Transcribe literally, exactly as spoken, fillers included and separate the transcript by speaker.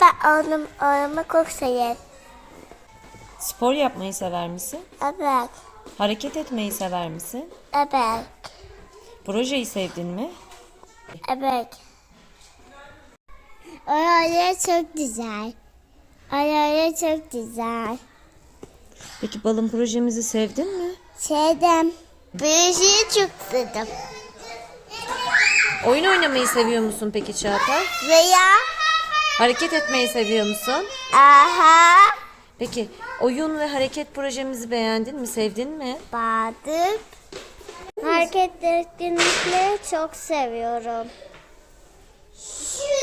Speaker 1: Ben oğlum, oğlumu çok severim.
Speaker 2: Spor yapmayı sever misin?
Speaker 1: Evet,
Speaker 2: Hareket etmeyi sever misin?
Speaker 1: evet,
Speaker 2: Projeyi sevdin mi?
Speaker 1: evet. Oralar çok güzel. Oralar çok güzel.
Speaker 2: Peki balon projemizi sevdin mi?
Speaker 1: Sevdim. Büyüsüyü çok sevdim.
Speaker 2: Oyun oynamayı seviyor musun peki Çağatay?
Speaker 1: Veya
Speaker 2: Hareket etmeyi seviyor musun?
Speaker 1: aha
Speaker 2: Peki oyun ve hareket projemizi beğendin mi? Sevdin mi?
Speaker 1: badık. Hareket etkinlikleri çok seviyorum.